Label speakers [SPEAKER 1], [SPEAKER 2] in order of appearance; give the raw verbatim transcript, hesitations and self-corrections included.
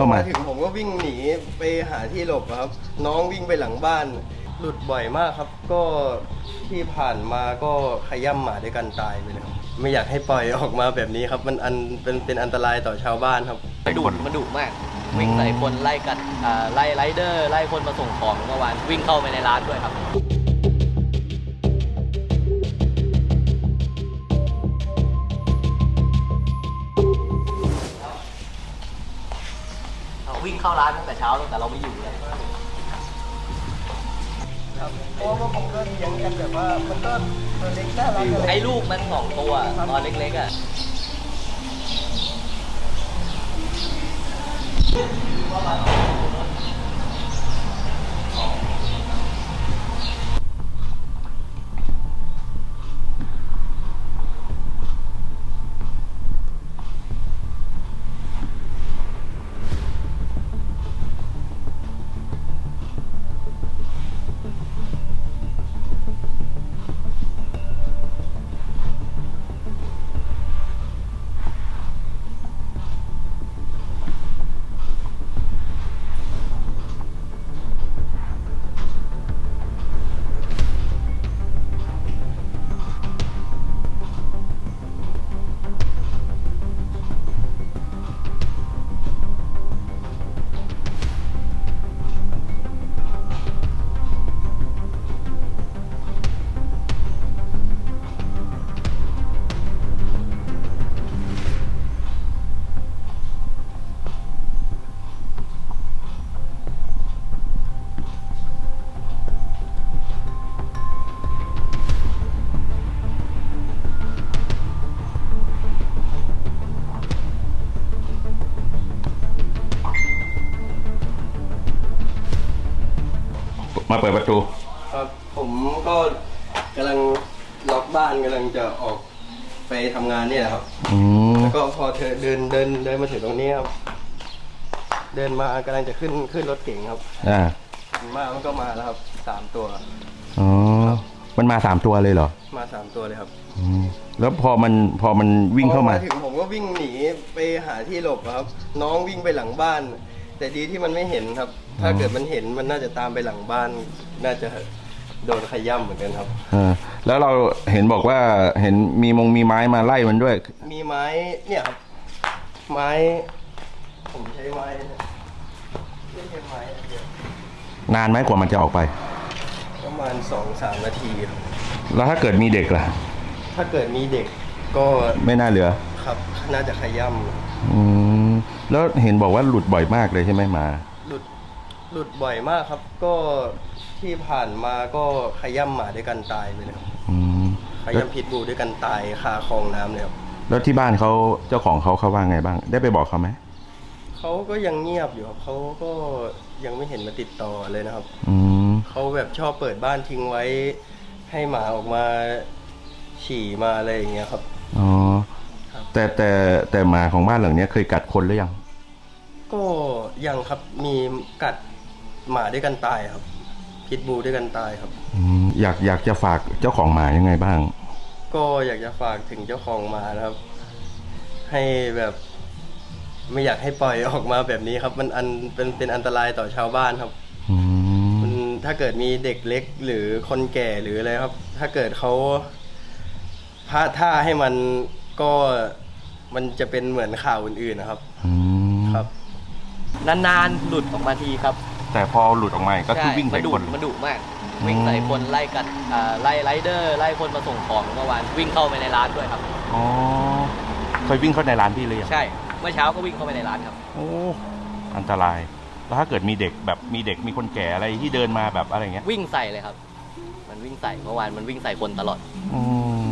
[SPEAKER 1] เข้ามา
[SPEAKER 2] ถึงผมก็วิ่งหนีไปหาที่หลบครับน้องวิ่งไปหลังบ้านหลุดบ่อยมากครับก็ที่ผ่านมาก็ขย่ำหมาด้วยกันตายไปเลยครับไม่อยากให้ปล่อยออกมาแบบนี้ครับมันอันเป็นเป็นอันตรายต่อชาวบ้านครับ
[SPEAKER 3] มันดุมันดุมากวิ่งใส่คนไล่กัดไล่ไรเดอร์ไล่คนมาส่งของเมื่อวานวิ่งเข้าไปในร้านด้วยครับเราวิ่งเข้าร้านตั้งแต่เช้าตั้งแต่เราไม่อยู่เลย
[SPEAKER 2] เพราะว่าผมก็เลี้ยงกันแบบว่ามันก็ตัวเล็กน่ารักอะไร
[SPEAKER 3] ไอ้ลูกมันสองตัวตอนเล็กๆอ่ะ
[SPEAKER 1] มาเปิดประตู
[SPEAKER 2] ครับผมก็กำลังล็อกบ้านกำลังจะออกไปทำงานเนี่ยครับแล้วก็พอเธอเดินเดินเดินมาถึงตรงนี้ครับเดินมากำลังจะขึ้นขึ้นรถเก๋งครับ
[SPEAKER 1] อ่า
[SPEAKER 2] มามันก็มาแล้วครับสามตัว
[SPEAKER 1] อ๋อมันมาสามตัวเลยเหรอ
[SPEAKER 2] มาสามตัวเลยครับ
[SPEAKER 1] อืมแล้วพอมันพอมันวิ่งเข้ามา
[SPEAKER 2] ถึงผมก็วิ่งหนีไปหาที่หลบครับน้องวิ่งไปหลังบ้านแต่ดีที่มันไม่เห็นครับถ้าเกิดมันเห็นมันน่าจะตามไปหลังบ้านน่าจะโดนขย่ำเหมือนกันครับ
[SPEAKER 1] อ่าแล้วเราเห็นบอกว่าเห็นมีมงมีไม้มาไล่มันด้วย
[SPEAKER 2] มีไม้เนี่ยครับไม้ผมใช้ไม้ไม่ใช่ไม้เดีย
[SPEAKER 1] วนานไหมกว่ามันจะออกไป
[SPEAKER 2] ประมาณสองสามนาทีครับ
[SPEAKER 1] แล้วถ้าเกิดมีเด็กล่ะ
[SPEAKER 2] ถ้าเกิดมีเด็กก็
[SPEAKER 1] ไม่น่าเหลือ
[SPEAKER 2] ครับน่าจะขย่ำ
[SPEAKER 1] อืมแล้วเห็นบอกว่าหลุดบ่อยมากเลยใช่ไหมหมา
[SPEAKER 2] หลุดหลุดบ่อยมากครับก็ที่ผ่านมาก็ขย่ำหมาด้วยกันตายไปเลยครับขย่ำพิษบูด้วยกันตายคาคลองน้ำเลยครับ
[SPEAKER 1] แล้วที่บ้านเขาเจ้าของเขาเขาว่าไงบ้างได้ไปบอกเขาไหม
[SPEAKER 2] เขาก็ยังเงียบอยู่ครับเขาก็ยังไม่เห็นมาติดต่อเลยนะครับเขาแบบชอบเปิดบ้านทิ้งไว้ให้หมาออกมาฉี่มาอะไรอย่างเงี้ยครับ
[SPEAKER 1] อ๋อแต่แต่แต่หมาของบ้านหลังนี้เคยกัดคนหรือยัง
[SPEAKER 2] ก็ยังครับมีกัดหมาด้วยกันตายครับพิษบูด้วยกันตายครับ
[SPEAKER 1] อยากอยากจะฝากเจ้าของหมายังไงบ้าง
[SPEAKER 2] ก็อยากจะฝากถึงเจ้าของหมานะครับให้แบบไม่อยากให้ปล่อยออกมาแบบนี้ครับมันอันเป็นเป็นอันตรายต่อชาวบ้านครับมันถ้าเกิดมีเด็กเล็กหรือคนแก่หรืออะไรครับถ้าเกิดเขาพลาดท่าให้มันก็มันจะเป็นเหมือนข่าวอื่นๆนะครับครับ
[SPEAKER 3] นานๆหลุดออกมาทีครับ
[SPEAKER 1] แต่พอหลุดออกมาก็คือวิ่งใส่คน
[SPEAKER 3] มันดุมากวิ่งใส่คนไล่กัดไล่ไรเดอร์ไล่คนมาส่งของเมื่อวานวิ่งเข้าไปในร้านด้วยครับ
[SPEAKER 1] อ๋อเคยวิ่งเข้าในร้านพี่เลย
[SPEAKER 3] ใช่เมื่อเช้าก็วิ่งเข้าไปในร้านครับ
[SPEAKER 1] โอ้อันตรายแล้วถ้าเกิดมีเด็กแบบมีเด็กมีคนแก่อะไรที่เดินมาแบบอะไรเงี้ย
[SPEAKER 3] วิ่งใส่เลยครับมันวิ่งใส่เมื่อวานมันวิ่งใส่คนตลอด
[SPEAKER 1] อืม